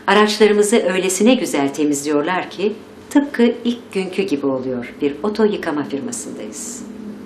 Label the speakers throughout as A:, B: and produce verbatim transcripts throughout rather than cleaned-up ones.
A: Araçlarımızı öylesine güzel temizliyorlar ki tıpkı ilk günkü gibi oluyor. Bir oto yıkama firmasındayız.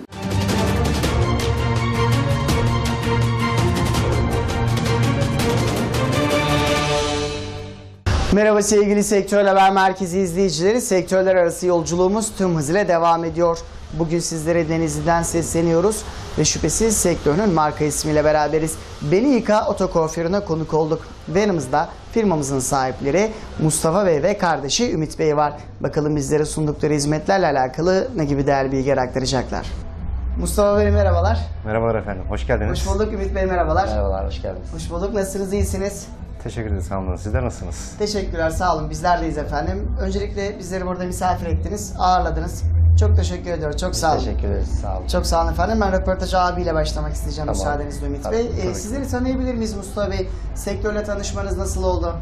B: Merhaba sevgili Sektör Haber Merkezi izleyicileri. Sektörler arası yolculuğumuz tüm hızıyla devam ediyor. Bugün sizlere Denizli'den sesleniyoruz ve şüphesiz sektörün marka ismiyle beraberiz. Beni Yıka Oto Kuaförü'ne konuk olduk. Ve yanımızda firmamızın sahipleri Mustafa Bey ve kardeşi Ümit Bey var. Bakalım bizlere sundukları hizmetlerle alakalı ne gibi değerli bilgiler aktaracaklar. Mustafa Bey merhabalar.
C: Merhabalar efendim, hoş geldiniz.
B: Hoş bulduk Ümit Bey, merhabalar.
D: Merhabalar, hoş geldiniz.
B: Hoş bulduk, nasılsınız, iyisiniz?
C: Teşekkür ederiz, sağ olun. Sizler nasılsınız?
B: Teşekkürler, sağ olun. Bizler deyiz efendim. Öncelikle bizleri burada misafir ettiniz, ağırladınız. Çok teşekkür ediyorum, çok sağ olun.
D: Teşekkür ederiz, sağ olun.
B: Çok sağ olun efendim. Ben röportajı abiyle başlamak isteyeceğim
D: Tamam.
B: müsaadenizle Ümit
D: Tabii,
B: Bey.
D: tabii
B: Ee,
D: ki.
B: sizleri tanıyabilir miyiz Mustafa Bey? Sektörle tanışmanız nasıl oldu?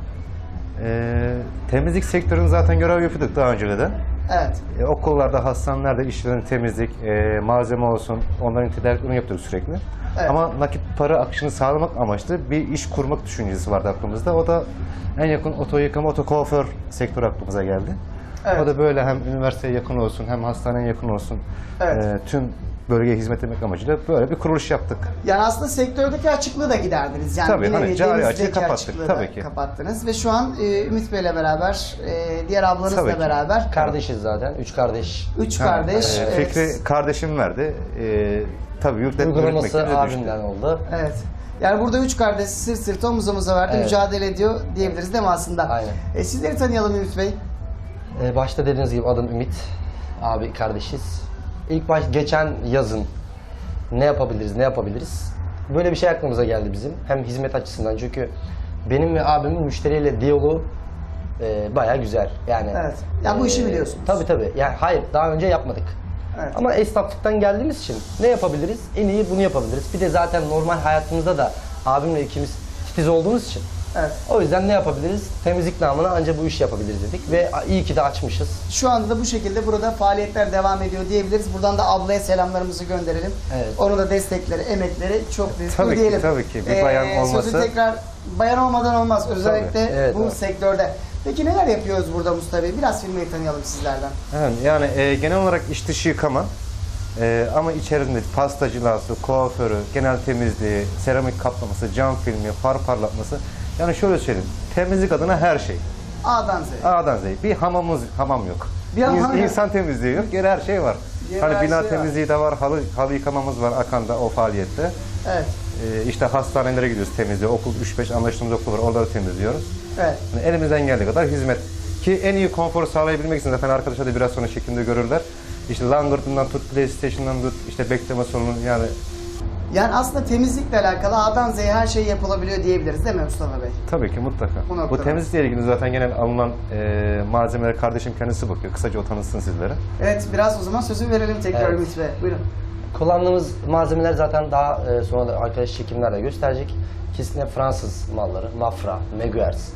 C: Ee, temizlik sektörünü zaten görev yapıyorduk daha önce de.
B: Evet.
C: Ee, okullarda, hastanelerde işlerin temizlik, e, malzeme olsun, onların tedariklerini yapıyorduk sürekli.
B: Evet.
C: Ama nakit para akışını sağlamak amaçlı bir iş kurmak düşüncesi vardı aklımızda. O da en yakın oto yıkama, oto kuaför sektörü aklımıza geldi.
B: Evet.
C: O da böyle hem üniversiteye yakın olsun, hem hastaneye yakın olsun,
B: Evet.
C: e, tüm bölgeye hizmet etmek amacıyla böyle bir kuruluş yaptık.
B: Yani aslında sektördeki açıklığı da giderdiniz. Yani
C: Tabii,
B: bir
C: hani
B: nevi
C: cari
B: denizdeki
C: açığı kapattık,
B: açıklığı da
C: tabii ki.
B: kapattınız. Ve şu an e, Ümit Bey'le beraber, e, diğer ablanızla
C: Tabii ki.
B: beraber
D: Kardeşiz zaten, üç kardeş.
B: üç
C: Ha,
B: kardeş.
C: e,
B: evet.
C: Fikri kardeşim verdi. E, tabii yükletme
D: Uygulaması
C: yürütmekle de düştü.
D: abimden oldu.
B: Evet. Yani burada üç kardeş sırt sırta omuz omuza verdi,
D: Evet.
B: mücadele ediyor diyebiliriz değil mi aslında?
D: Aynen.
B: E, sizleri tanıyalım Ümit Bey.
D: Ee, başta dediğiniz gibi adım Ümit. Abi kardeşiz. İlk baş geçen yazın ne yapabiliriz, ne yapabiliriz? Böyle bir şey aklımıza geldi bizim. Hem hizmet açısından, çünkü benim ve abimin müşteriyle diyaloğu e, bayağı güzel. Yani
B: Evet. Ya bu işi biliyorsunuz.
D: Tabii tabii. Yani hayır, daha önce yapmadık.
B: Evet.
D: Ama esnaflıktan geldiğimiz için ne yapabiliriz? En iyi bunu yapabiliriz. Bir de zaten normal hayatımızda da abimle ikimiz titiz olduğumuz için.
B: Evet.
D: O yüzden ne yapabiliriz? Temizlik namına ancak bu işi yapabiliriz dedik ve iyi ki de açmışız.
B: Şu anda da bu şekilde burada faaliyetler devam ediyor diyebiliriz. Buradan da ablaya selamlarımızı gönderelim.
D: Evet.
B: Onun da destekleri, emekleri çok büyük.
C: Tabii
B: Bu
C: ki,
B: diyelim.
C: tabii ki. Bir bayan olmasa-
B: Sözü tekrar bayan olmadan olmaz. Özellikle
D: Evet,
B: bu
D: evet.
B: sektörde. Peki neler yapıyoruz burada Mustafa Bey? Biraz firmayı tanıyalım sizlerden.
C: Evet, yani e, genel olarak iç dışı yıkama e, ama içerisinde pastacılığı, kuaförü, genel temizliği, seramik kaplaması, cam filmi, far parlatması. Yani şöyle söyleyeyim, temizlik adına her şey.
B: A'dan Z'ye.
C: A'dan Z'ye. Bir hamamımız, hamam yok.
B: Bir hamam
C: İns-
B: yok.
C: İnsan temizliği yok, geri her şey var.
B: Geri
C: hani
B: her
C: bina
B: şey
C: temizliği de var, halı, halı yıkamamız var Akan'da o faaliyette.
B: Evet.
C: E, işte hastanelere gidiyoruz temizliğe, okul üç beş anlaştığımız okul var, oraları temizliyoruz.
B: Evet.
C: Yani elimizden geldiği kadar hizmet. Ki en iyi konforu sağlayabilmek için zaten arkadaşlar da biraz sonra şeklinde görürler. İşte langırtından tut, PlayStation'dan tut, işte bekleme sorunu yani.
B: Yani aslında temizlikle alakalı A'dan Z'ye her şey yapılabiliyor diyebiliriz değil mi Mustafa Bey?
C: Tabii ki mutlaka.
B: Bu
C: Bu,
B: noktada.
C: temizlikle ilgili zaten genel alınan e, malzemeler kardeşim kendisi bakıyor. Kısaca o tanıtsın sizlere.
B: Evet, biraz o zaman sözü verelim tekrar
D: Evet.
B: Ümit Bey. Buyurun.
D: Kullandığımız malzemeler zaten daha e, sonra da arkadaş çekimlerle gösterecek. Kesinlikle Fransız malları. Mafra, Meguers.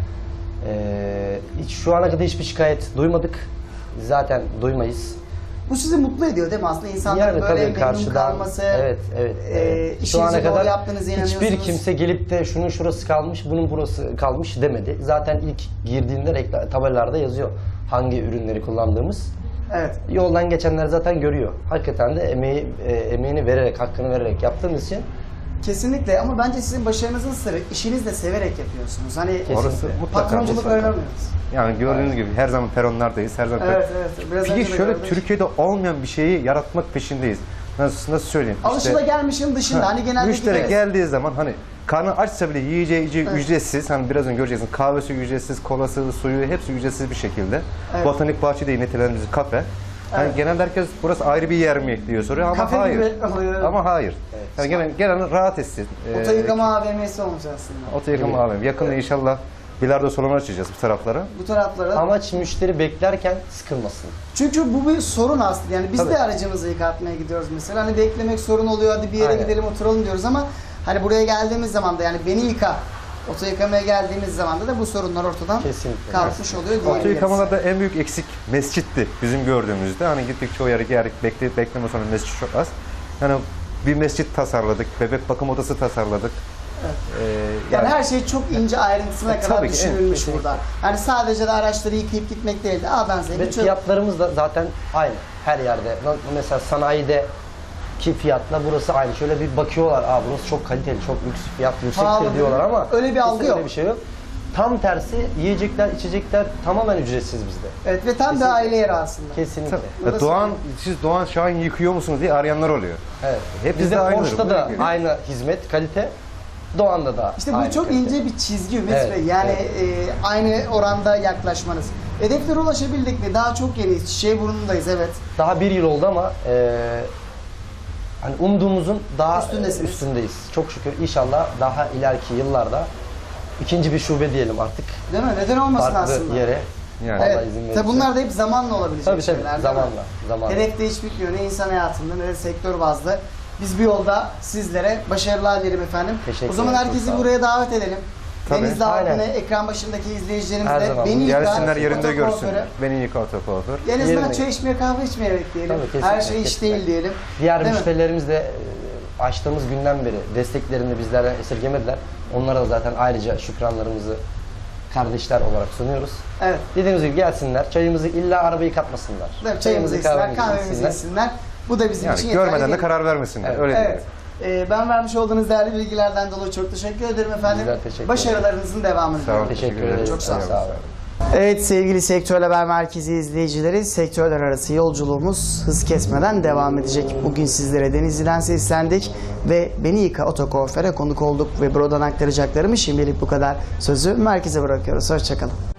D: Ee, hiç şu ana kadar hiçbir şikayet duymadık. Zaten duymayız.
B: Bu sizi mutlu ediyor değil mi aslında insanların
D: Yani
B: böyle
D: tabii
B: memnun
D: karşıdan,
B: kalması,
D: evet, evet,
B: e,
D: evet.
B: işinizi doğru yaptığınızı inanıyorsunuz.
D: hiçbir kimse gelip de şunun şurası kalmış, bunun burası kalmış demedi. Zaten ilk girdiğinde reklam, tabelalarda yazıyor hangi ürünleri kullandığımız.
B: Evet.
D: Yoldan geçenler zaten görüyor. Hakikaten de emeği, e, emeğini vererek, hakkını vererek yaptığımız için.
B: Kesinlikle ama bence sizin başarınızın sırrı işinizi de severek yapıyorsunuz. Hani
D: Kesinlikle.
C: Orası mutlaka.
B: patronculuk
C: mutlaka.
B: oynamıyoruz.
C: Yani gördüğünüz gibi her zaman peronlardayız. Her zaman
B: Evet, evet. Biraz önce
C: Peki
B: de
C: şöyle
B: gördük.
C: Türkiye'de olmayan bir şeyi yaratmak peşindeyiz. Nasıl, nasıl söyleyeyim?
B: Alışılagelmişin dışında
C: Ha,
B: hani genelde
C: müşteri
B: gideriz.
C: geldiği zaman hani karnı açsa bile yiyeceği içeceği
B: Evet.
C: ücretsiz. Hani biraz önce göreceksin kahvesi ücretsiz, kolası, suyu hepsi ücretsiz bir şekilde.
B: Evet.
C: Botanik bahçe diye nitelendiğimiz kafe. Yani
B: Evet.
C: genelde herkes burası ayrı bir yer mi diyor soruyor ama
B: Kafe
C: hayır.
B: gibi oluyor.
C: Ama hayır. Yani gelen, gelen rahat etsin.
B: Oto yıkama A V M'si olmuş aslında.
C: Oto yıkama A V M. Yakında inşallah bilardo salonu açacağız bu taraflara.
B: Bu taraflara.
D: Amaç müşteri beklerken sıkılmasın.
B: Çünkü bu bir sorun aslında. Yani biz
D: Tabii.
B: de aracımızı yıkatmaya gidiyoruz mesela. Hani beklemek sorun oluyor. Hadi bir yere
D: Aynen.
B: gidelim oturalım diyoruz ama hani buraya geldiğimiz zaman da yani beni yıka. Oto yıkamaya geldiğimiz zaman da, da bu sorunlar ortadan
D: Kesinlikle.
B: kalkmış oluyor
C: Oto
B: diyebiliriz.
C: yıkamalarda en büyük eksik mescitti bizim gördüğümüzde. Hani gittik çoğu yere geldik, bekle, bekleme sonra mescit çok az. Yani bir mescit tasarladık, bebek bakım odası tasarladık. Ee,
B: Yani her şey çok ince ayrıntısına
C: E,
B: kadar
C: tabii ki,
B: düşünülmüş
D: evet,
B: burada. Yani sadece de araçları yıkayıp gitmek değil de A'dan Z'ye
D: Ve
B: geçiyor.
D: fiyatlarımız da zaten aynı her yerde. Na- Mesela sanayide ki fiyatla burası aynı. Şöyle bir bakıyorlar, aa burası çok kaliteli, çok lüks fiyat
B: Pahalı
D: yüksektir
B: değil
D: diyorlar
B: mi?
D: ama
B: Öyle bir algı
D: kesinlikle
B: yok.
D: öyle bir şey yok. Tam tersi yiyecekler, içecekler tamamen ücretsiz bizde.
B: Evet ve tam da
D: Kesinlikle.
B: aile yeri aslında.
D: Kesinlikle.
C: Ya E, Doğan, siz Doğan Şahin yıkıyor musunuz diye arayanlar oluyor.
D: Evet.
C: Hep
D: Bizde
C: bizde aynıdır,
D: Porsche'da
C: bu
D: da
C: ilgili.
D: aynı hizmet, kalite. Doğan'da da
B: İşte bu
D: aynı
B: çok
D: kalite.
B: ince bir çizgi Ümit
D: Evet,
B: Bey. Yani
D: evet.
B: e, aynı oranda yaklaşmanız. Hedeflere ulaşabildik mi? Daha çok yeniyiz. Çiçeğiburnu'ndayız evet.
D: Daha bir yıl oldu ama e, hani umduğumuzun daha
B: Üstündesiniz.
D: üstündeyiz. Çok şükür inşallah daha ileriki yıllarda ikinci bir şube diyelim artık.
B: Değil mi? Neden olmasın
D: Farklı
B: aslında?
D: yere.
C: Yani.
D: Allah
B: Evet.
D: izin verirse.
B: Tabii bunlar da hep zamanla olabilecek
D: Tabii, tabii.
B: şeyler. değil mi?
D: Zamanla, zamanla.
B: Hedef de hiç bitmiyor. Ne insan hayatında ne de sektör bazlı. Biz bir yolda sizlere başarılar dilerim efendim.
D: Teşekkür
B: O zaman
D: ederim, çok
B: herkesi
D: sağ olun.
B: buraya davet edelim.
C: Tabii.
B: Denizli halkını,
D: Aynen.
B: ekran başındaki izleyicilerimiz
D: Her
B: de
D: zaman.
B: beni yıka,
C: Gelsinler yerinde
B: otokuaförü.
C: görsünler. Beni yıka otokuaför.
B: En azından
D: Yerine.
B: çay içmeye, kahve içmeye bekleyelim.
D: Tabii, kesinlikle,
B: Her şey iş
D: kesinlikle.
B: değil diyelim.
D: Diğer
B: Değil mi?
D: müşterilerimiz de e, açtığımız günden beri desteklerini bizlerden esirgemediler. Onlara da zaten ayrıca şükranlarımızı kardeşler olarak sunuyoruz.
B: Evet.
D: Dediğimiz gibi gelsinler, çayımızı illa arabayı katmasınlar.
B: Değil mi? Çayımızı içsinler,
D: kahvemizi
B: kahvemizi
D: içsinler.
B: içsinler. Bu da bizim
C: Yani
B: için yeterli
C: görmeden de
B: değil.
C: karar vermesinler.
D: Evet.
C: Öyle
B: Evet.
C: diyelim.
B: Ee, ben vermiş olduğunuz değerli bilgilerden dolayı çok teşekkür ederim efendim.
D: Bizler teşekkür ederiz.
B: Başarılarınızın devamını
C: Sağ olun.
B: diliyorum.
D: Teşekkür
C: Teşekkür
D: ederiz.
B: Çok sağ olun.
D: Sağ olun.
B: Evet sevgili Sektör Haber Merkezi izleyicileri, sektörler arası yolculuğumuz hız kesmeden devam edecek. Bugün sizlere Denizli'den seslendik ve Beni Yıka Otokuaför'e konuk olduk ve buradan aktaracaklarımı şimdilik bu kadar. Sözü merkeze bırakıyoruz. Hoşçakalın.